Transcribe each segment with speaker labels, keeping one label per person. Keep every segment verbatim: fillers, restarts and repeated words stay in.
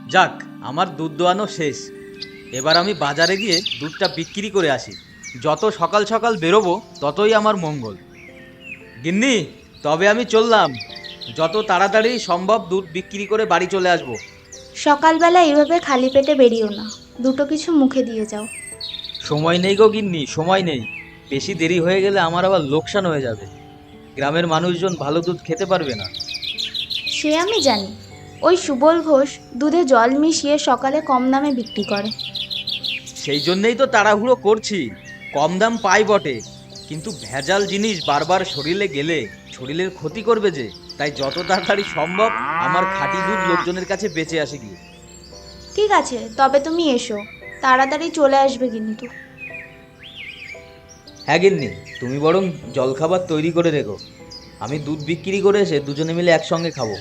Speaker 1: যাক, আমার দুধ দোয়ানো শেষ। এবার আমি বাজারে গিয়ে দুধটা বিক্রি করে আসি। যত সকাল সকাল বেরোবো ততই আমার মঙ্গল। গিন্নি, তবে আমি চললাম। যত তাড়াতাড়ি সম্ভব দুধ বিক্রি করে বাড়ি চলে আসবো।
Speaker 2: সকালবেলা এইভাবে খালি পেটে বেরিও না, দুটো কিছু মুখে দিয়ে যাও।
Speaker 1: সময় নেই গো গিন্নি, সময় নেই। বেশি দেরি হয়ে গেলে আমার আবার লোকসান হয়ে যাবে। গ্রামের মানুষজন ভালো দুধ খেতে পারবে না।
Speaker 2: সে আমি জানি। ওই সুবল ঘোষ দুধে জল মিশিয়ে সকালে কম দামে বিক্রি করে।
Speaker 1: সেই জন্যেই তো তাড়াহুড়ো করছি। কম দাম পাই বটে, কিন্তু ভেজাল জিনিস বারবার শরীরে গেলে শরীরের ক্ষতি করবে যে। তাই যত তাড়াতাড়ি সম্ভব আমার খাঁটি দুধ লোকজনের কাছে বেঁচে আসে গিয়ে।
Speaker 2: ঠিক আছে, তবে তুমি এসো, তাড়াতাড়ি চলে আসবে কিন্তু।
Speaker 1: হ্যাঁ গিন্নি, তুমি বরং জলখাবার তৈরি করে রেখো। আমি দুধ বিক্রি করে এসে দুজনে মিলে একসঙ্গে খাবো।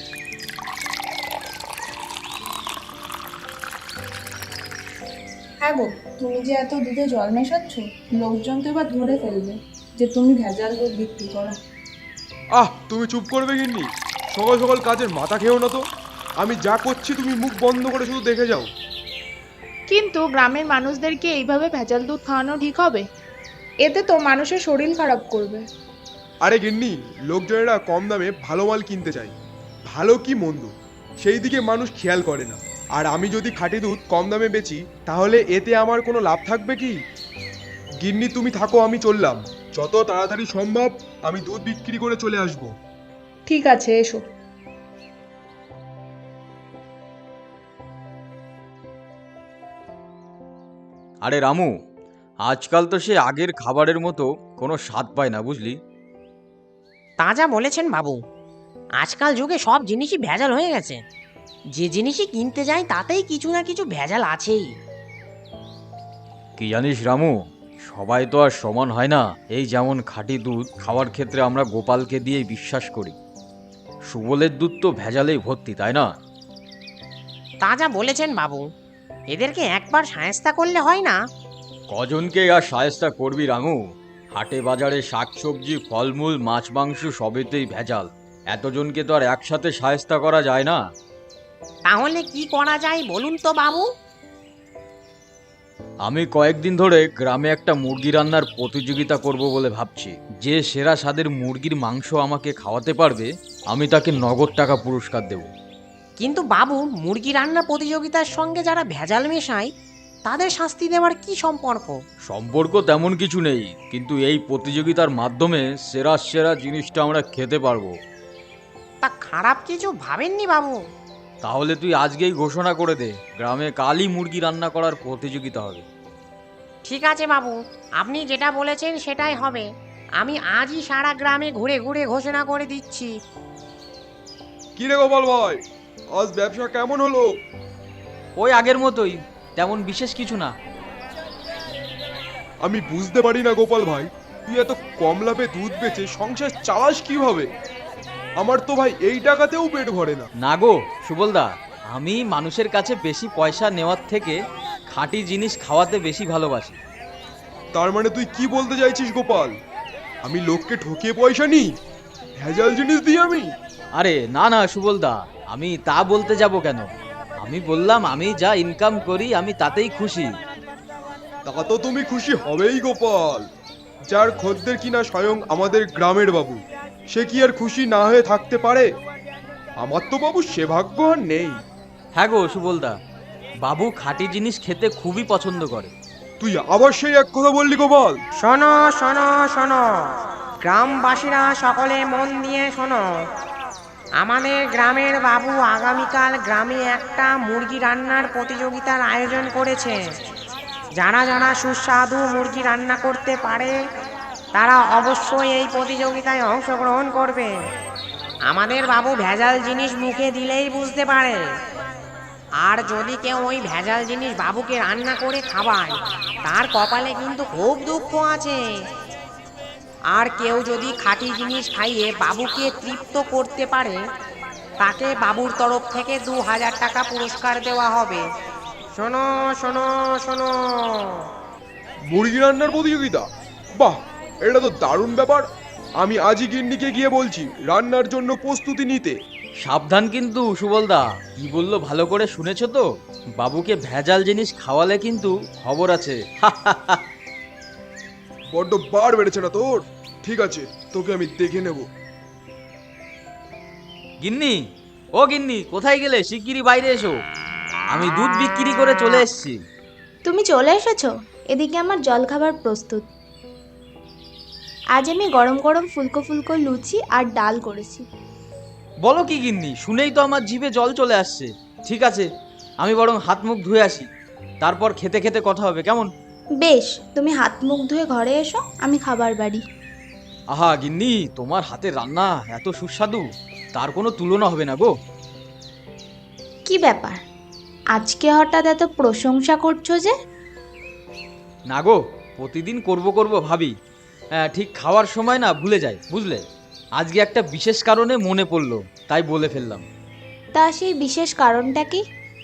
Speaker 3: হ্যাঁ গো, তুমি যে এত দুধে জল মেশাচ্ছ, লোকজন তো এবার ধরে ফেলবে যে তুমি ভেজাল দুধ বিক্রি করো।
Speaker 4: আহ, তুমি চুপ করবে গিন্নি। সকাল সকাল কাজের মাথা খেও না তো। আমি যা করছি তুমি মুখ বন্ধ করে শুধু দেখে যাও।
Speaker 3: কিন্তু গ্রামের মানুষদেরকে এইভাবে ভেজাল দুধ খাওয়ানো ঠিক হবে? এতে তো মানুষের শরীর খারাপ করবে।
Speaker 4: আরে গিন্নি, লোকজনেরা কম দামে ভালো মাল কিনতে চায়। ভালো কি মন্দ সেই দিকে মানুষ খেয়াল করে না। আর আমি যদি খাঁটি দুধ কম দামে বেচি, তাহলে এতে আমার কোনো লাভ থাকবে কি? গিন্নি তুমি থাকো, আমি চললাম। যত তাড়াতাড়ি সম্ভব আমি দুধ বিক্রি করে চলে আসব।
Speaker 3: ঠিক আছে, এসো।
Speaker 1: আরে রামু, আজকাল তো সে আগের খাবারের মতো কোনো স্বাদ পায় না, বুঝলি?
Speaker 5: তা যা বলেছেন বাবু, আজকাল যুগে সব জিনিসই ভেজাল হয়ে গেছে। যে জিনিসই কিনতে যাই তাতেই কিছু না কিছু ভেজাল আছেই।
Speaker 1: কি জানিস রামু, সবাই তো আর সমান হয় না। এই যেমন খাঁটি দুধ খাওয়ার ক্ষেত্রে আমরা গোপালকে দিয়েই বিশ্বাস করি। সুবলের দুধ তো ভেজালেই ভর্তি, তাই না?
Speaker 5: তা যা বলেছেন বাবু, এদেরকে একবার শায়েস্তা করলে হয় না?
Speaker 1: কজনকে আর শায়েস্তা করবি রামু? হাটে বাজারে শাকসবজি, ফলমূল, মাছ মাংস সবেতেই ভেজাল। এতজনকে তো আর একসাথে শায়েস্তা করা যায় না।
Speaker 5: তাহলে কি করা যায় বলুন তো বাবু?
Speaker 1: আমি কয়েকদিন ধরে গ্রামে একটা মুরগি রান্নার প্রতিযোগিতা করব বলে ভাবছি। যে সেরা স্বাদের মুরগির মাংস আমাকে খাওয়াতে পারবে, আমি তাকে নগদ টাকা পুরস্কার দেব।
Speaker 5: কিন্তু বাবু, মুরগি রান্না প্রতিযোগিতার সঙ্গে যারা ভেজাল মেশায় তাদের শাস্তি দেওয়ার কি সম্পর্ক?
Speaker 1: সম্পর্ক তেমন কিছু নেই, কিন্তু এই প্রতিযোগিতার মাধ্যমে সেরা সেরা জিনিসটা আমরা খেতে পারবো।
Speaker 5: তা খারাপ কিছু ভাবেননি বাবু?
Speaker 1: তাহলে তুই আজকেই ঘোষণা করে দে, গ্রামে কালই মুরগি রান্না করার প্রতিযোগিতা হবে।
Speaker 5: ঠিক আছে বাবু, আপনি যেটা বলেছেন সেটাই হবে। আমি আজই সারা গ্রামে ঘুরে ঘুরে ঘোষণা করে দিচ্ছি।
Speaker 4: কি রে গোপাল ভাই, আজ ব্যবসা কেমন হলো?
Speaker 1: ওই আগের মতোই, তেমন বিশেষ কিছু না।
Speaker 4: আমি বুঝতে পারি না গোপাল ভাই, তুই এত কম লাভে দুধ বেচে সংসার চালাস কিভাবে? আমার তো ভাই এই টাকাতেও পেট ভরে না।
Speaker 1: না গো সুবলদা, আমি মানুষের কাছে বেশি পয়সা নেওয়ার থেকে খাঁটি জিনিস খাওয়াতে বেশি ভালোবাসি।
Speaker 4: তার মানে তুই কি বলতে চাইছিস গোপাল? আমি লোককে ঠকিয়ে পয়সা নিই, ভেজাল জিনিস দিই আমি?
Speaker 1: আরে না না সুবলদা, আমি তা বলতে যাব কেন? আমি বললাম আমি যা ইনকাম করি আমি তাতেই খুশি।
Speaker 4: তা তো তুমি খুশি হবেই গোপাল। যার খদ্দের কিনা স্বয়ং আমাদের গ্রামের বাবু, সে কি আর খুশি না হয়ে থাকতে পারে? আমার তো বাবু সে ভাগ্য আর নেই।
Speaker 1: হ্যাঁ গো সুবলদা, বাবু খাঁটি জিনিস খেতে খুবই পছন্দ করে।
Speaker 4: তুই আবার সেই এক কথা বললি গোপাল।
Speaker 5: শোনো শোনো শোনো, গ্রামবাসীরা সকলে মন দিয়ে শোনো। আমাদের গ্রামের বাবু আগামীকাল গ্রামে একটা মুরগি রান্নার প্রতিযোগিতার আয়োজন করেছে। যারা যারা সুস্বাদু মুরগি রান্না করতে পারে তারা অবশ্যই এই প্রতিযোগিতায় অংশগ্রহণ করবে। আমাদের বাবু ভেজাল জিনিস মুখে দিলেই বুঝতে পারে। আর যদি কেউ ওই ভেজাল জিনিস বাবুকে রান্না করে খাওয়ায়, তার কপালে কিন্তু খুব দুঃখ আছে। আর কেউ যদি খাঁটি জিনিস খাইয়ে বাবুকে তৃপ্ত করতে পারে, তাকে বাবুর তরফ থেকে দু হাজার টাকা পুরস্কার দেওয়া হবে। শোনো শোনো শোনো।
Speaker 4: মুরগি রান্নার প্রতিযোগিতা? বাহ, এটা তো দারুণ ব্যাপার। আমি আজই গিন্নিকে গিয়ে বলছি রান্নার জন্য প্রস্তুতি নিতে।
Speaker 1: সাবধান কিন্তু সুবলদা, কি বললো ভালো করে শুনেছো তো? বাবুকে ভেজাল জিনিস খাওয়ালে কিন্তু খবর আছে।
Speaker 4: বড্ড বার বেড়েছে না তোর? ঠিক আছে, তোকে আমি দেখে নেব।
Speaker 1: গিন্নি, ও গিন্নি, কোথায় গেলে? শিগগিরই বাইরে এসো, আমি দুধ বিক্রি করে চলে এসেছি।
Speaker 2: তুমি চলে এসেছো? এদিকে আমার জলখাবার প্রস্তুত। আজ আমি গরম গরম ফুলকো ফুলকো লুচি আর ডাল করেছি।
Speaker 1: বলো কি গিন্নি, শুনেই তো আমার জিভে জল চলে আসছে। ঠিক আছে, আমি বরং হাত মুখ ধুয়ে আসি, তারপর খেতে খেতে কথা হবে, কেমন?
Speaker 2: বেশ, তুমি হাত মুখ ধুয়ে ঘরে এসো, আমি খাবার বাড়ি।
Speaker 1: আহা গিন্নি, তোমার হাতের রান্না এত সুস্বাদু, তার কোনো তুলনা হবে না গো।
Speaker 2: কি ব্যাপার, আজকে হঠাৎ এত প্রশংসা করছো যে?
Speaker 1: না গো, প্রতিদিন করব করব ভাবি, হ্যাঁ ঠিক খাওয়ার সময় না ভুলে যাই, বুঝলে? আজকে একটা বিশেষ কারণে মনে পড়লো, তাই বলে ফেললাম।
Speaker 2: তা সেই বিশেষ কারণটা কি?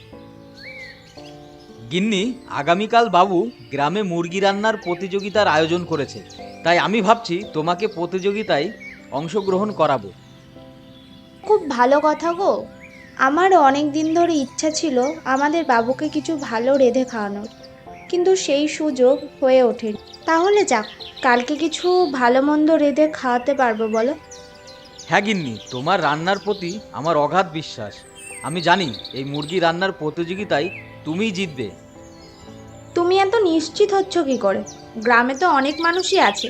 Speaker 1: গিন্নি, আগামীকাল বাবু গ্রামে মুরগি রান্নার প্রতিযোগিতার আয়োজন করেছে, তাই আমি ভাবছি তোমাকে প্রতিযোগিতায় অংশগ্রহণ করাবো।
Speaker 2: খুব ভালো কথা গো। আমারও অনেক দিন ধরে ইচ্ছা ছিল আমাদের বাবুকে কিছু ভালো রেঁধে খাওয়ানোর, কিন্তু সেই সুযোগ হয়ে ওঠেনি। তাহলে যাক, কালকে কিছু ভালো মন্দ রেঁধে খাওয়াতে পারবো বলো?
Speaker 1: হ্যাঁ গিন্নি, তোমার রান্নার প্রতি আমার অগাধ বিশ্বাস। আমি জানি এই মুরগি রান্নার প্রতিযোগিতায় তুমিই জিতবে।
Speaker 2: তুমি এত নিশ্চিত হচ্ছ কি করে? গ্রামে তো অনেক মানুষই আছে।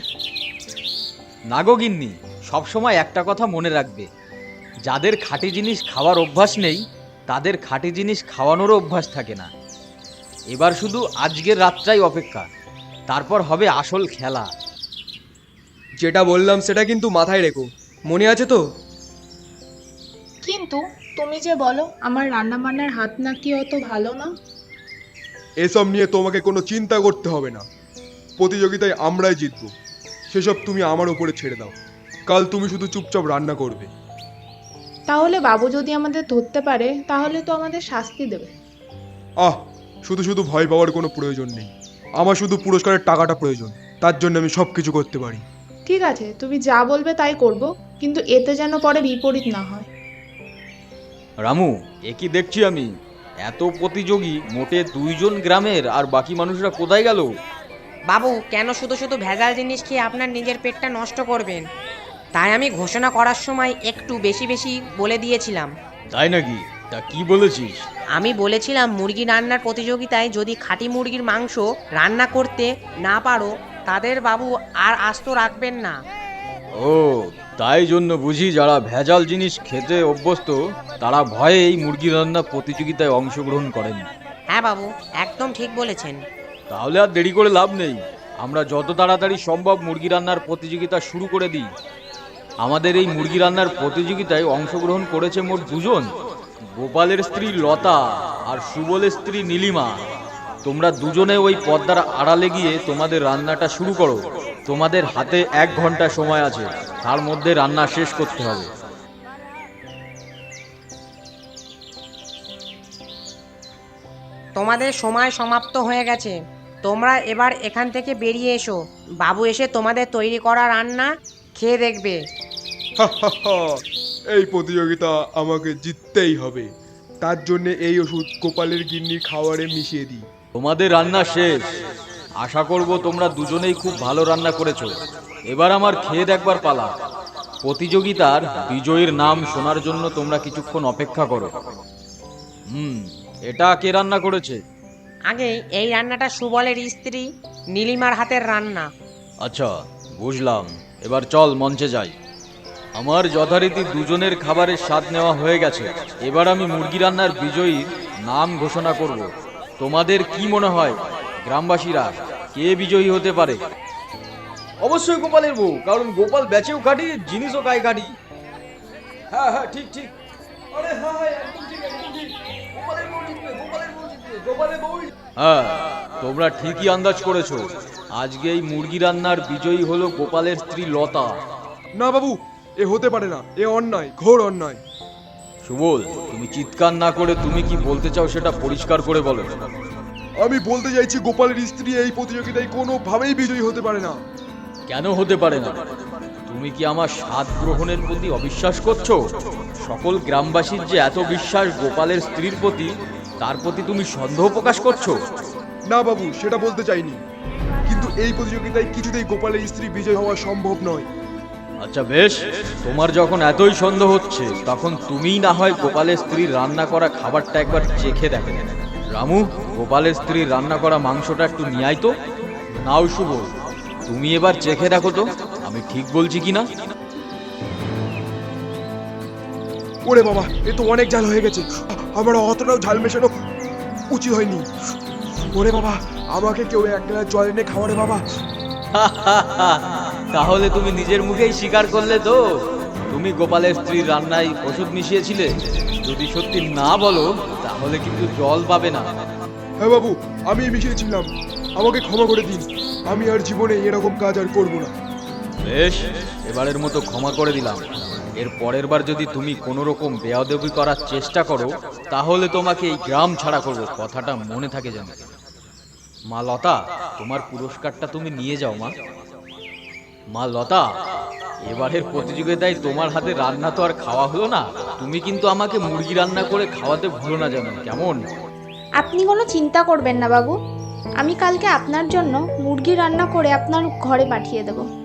Speaker 1: না গো গিন্নি, সবসময় একটা কথা মনে রাখবে, যাদের খাঁটি জিনিস খাওয়ার অভ্যাস নেই তাদের খাঁটি জিনিস খাওয়ানোরও অভ্যাস থাকে না। এবার শুধু আজকের রাতটাই অপেক্ষা, তারপর হবে আসল খেলা।
Speaker 6: যেটা বললাম সেটা কিন্তু মাথায় রেখো, মনে আছে তো?
Speaker 3: কিন্তু তুমি যে বলো আমার রান্না বান্নার হাত নাকি অত ভালো না।
Speaker 4: এসব নিয়ে তোমাকে কোনো চিন্তা করতে হবে না, প্রতিযোগিতায় আমরাই জিতবো, সেসব তুমি আমার উপরে ছেড়ে দাও। কাল তুমি শুধু চুপচাপ রান্না করবে।
Speaker 3: তাহলে বাবু যদি আমাদের ধরতে পারে তাহলে তো আমাদের শাস্তি দেবে।
Speaker 4: আহ, শুধু শুধু ভয় পাওয়ার কোনো প্রয়োজন নেই, আমার শুধু পুরস্কারের টাকাটা প্রয়োজন, তার জন্য আমি সব কিছু করতে পারি।
Speaker 3: ঠিক আছে, তুমি যা বলবে তাই করব, কিন্তু এতে যেন পরে বিপরীত না হয়।
Speaker 1: রামু, এ কি দেখছি আমি, এত প্রতিযোগী মোটে দুইজন গ্রামের, আর বাকি মানুষরা কোথায় গেল?
Speaker 5: বাবু, কেন শুধু শুধু ভেজাল জিনিস খেয়ে আপনার নিজের পেটটা নষ্ট করবেন? তাই আমি ঘোষণা করার সময় একটু বেশি বেশি বলে দিয়েছিলাম।
Speaker 1: তাই নাকি? তা কি বলেছিস?
Speaker 5: আমি বলেছিলাম মুরগি রান্নার প্রতিযোগিতায় যদি খাঁটি মুরগির মাংস রান্না করতে না পারো তাদের বাবু আর আস্ত রাখবেন না।
Speaker 1: ও, তাই জন্য বুঝি যারা ভেজাল জিনিস খেতে অভ্যস্ত তারা ভয়ে এই মুরগি রান্না প্রতিযোগিতায় অংশগ্রহণ করেন।
Speaker 5: হ্যাঁ বাবু, একদম ঠিক বলেছেন।
Speaker 1: তাহলে আর দেরি করে লাভ নেই, আমরা যত তাড়াতাড়ি সম্ভব মুরগি রান্নার প্রতিযোগিতা শুরু করে দিই। আমাদের এই মুরগি রান্নার প্রতিযোগিতায় অংশগ্রহণ করেছে মোট দুজন, গোপালের স্ত্রী লতা আর সুবলের স্ত্রী নীলিমা। তোমরা দুজনে ওই পর্দার আড়ালে গিয়ে তোমাদের রান্নাটা শুরু করো। তোমাদের হাতে এক ঘন্টা সময় আছে, তার মধ্যে রান্না শেষ করতে হবে।
Speaker 5: তোমাদের সময় সমাপ্ত হয়ে গেছে, তোমরা এবার এখান থেকে বেরিয়ে এসো। বাবু এসে তোমাদের তৈরি করা রান্না খেয়ে দেখবে।
Speaker 4: এই প্রতিযোগিতা আমাকে জিততেই হবে, তার জন্য এই ওষুধ গোপালের গিন্নির খাবারে মিশিয়ে দিই।
Speaker 1: তোমাদের রান্না শেষ, আশা করব তোমরা দুজনেই খুব ভালো রান্না করেছো। এবার আমার খেয়ে দেখবার পালা। প্রতিযোগিতার বিজয়ীর নাম শোনার জন্য তোমরা কিছুক্ষণ অপেক্ষা করো। হুম, এটা কে রান্না করেছে?
Speaker 5: আগে এই রান্নাটা সুবলের স্ত্রী নীলিমার হাতের রান্না।
Speaker 1: আচ্ছা, বুঝলাম। এবার চল মঞ্চে যাই। আমার যথারীতি দুজনের খাবারের স্বাদ নেওয়া হয়ে গেছে, এবার আমি মুরগি রান্নার বিজয়ীর নাম ঘোষণা করব। তোমাদের কি মনে হয় গ্রামবাসীরা কে বিজয়ী হতে পারে? অবশ্যই গোপালের বউ, কারণ গোপাল বেচেও খাটি, জিনিসও গায়ে খাটি। হ্যাঁ হ্যাঁ, ঠিক ঠিক। আরে হ্যাঁ হ্যাঁ, একদম ঠিক, একদম ঠিক। গোপালের বউ জিতবে, গোপালের বউ জিতবে, গোপালের বউ। হ্যাঁ, তোমরা ঠিকই আন্দাজ করেছো। আজকে এই মুরগি রান্নার বিজয়ী হলো গোপালের স্ত্রী লতা।
Speaker 4: না বাবু, এ হতে পারে না, এ অন্যায়, ঘোর অন্যায়।
Speaker 1: সুবল, তুমি চিৎকার না করে তুমি কি বলতে চাও সেটা পরিষ্কার করে বলো।
Speaker 4: আমি বলতে চাইছি গোপালের স্ত্রী এই প্রতিযোগিতায় কোনোভাবেই বিজয়ী হতে পারে না।
Speaker 1: কেন হতে পারে না? তুমি কি আমার স্বাদ গ্রহণের প্রতি অবিশ্বাস করছো? সকল গ্রামবাসীর যে এত বিশ্বাস গোপালের স্ত্রীর প্রতি, তার প্রতি তুমি সন্দেহ প্রকাশ করছো?
Speaker 4: না বাবু, সেটা বলতে চাইনি, কিন্তু এই প্রতিযোগিতায় কিছুতেই গোপালের স্ত্রী বিজয় হওয়া সম্ভব নয়।
Speaker 1: আচ্ছা বেশ, তোমার যখন এতই সন্দেহ হচ্ছে, তখন তুমিই না হয় গোপালের স্ত্রীর রান্না করা খাবারটা একবার চেখে দেখে। রামু, গোপালের স্ত্রীর রান্না করা মাংসটা একটু নিয়ে আয় তো। নাও শুভ, তুমি এবার চেখে দেখো তো আমি ঠিক বলছি কিনা।
Speaker 4: ওরে বাবা, এ তো অনেক ঝাল হয়ে গেছে, আমার অতটাও ঝাল মেশানো উচিত হয়নি। ওরে বাবা, আমাকে কেউ এক গ্লাস জল এনে খাওয়ারে বাবা।
Speaker 1: তাহলে তুমি নিজের মুখেই স্বীকার করলে তো তুমি গোপালের স্ত্রীর রান্নায় ওষুধ মিশিয়েছিলে। যদি সত্যি না বলো তাহলে কিন্তু জল পাবে না।
Speaker 4: হ্যাঁ বাবু, আমি মিশিয়েছিলাম, আমাকে ক্ষমা করে দিন, আমি আর জীবনে এরকম কাজ আর করবো না।
Speaker 1: বেশ, এবারের মতো ক্ষমা করে দিলাম। এর পরের বার যদি তুমি কোনো রকম বেয়াদবি করার চেষ্টা করো, তাহলে তোমাকে এই গ্রাম ছাড়া করবো, কথাটা মনে থাকে যেন। মা লতা, তোমার পুরস্কারটা তুমি নিয়ে যাও। মা মা লতা, এবারের প্রতিযোগিতায় তোমার হাতে রান্না তো আর খাওয়া হলো না, তুমি কিন্তু আমাকে মুরগি রান্না করে খাওয়াতে ভুলো না যেন, কেমন?
Speaker 2: আপনি কোনো চিন্তা করবেন না বাবু, আমি কালকে আপনার জন্য মুরগি রান্না করে আপনার ঘরে পাঠিয়ে দেবো।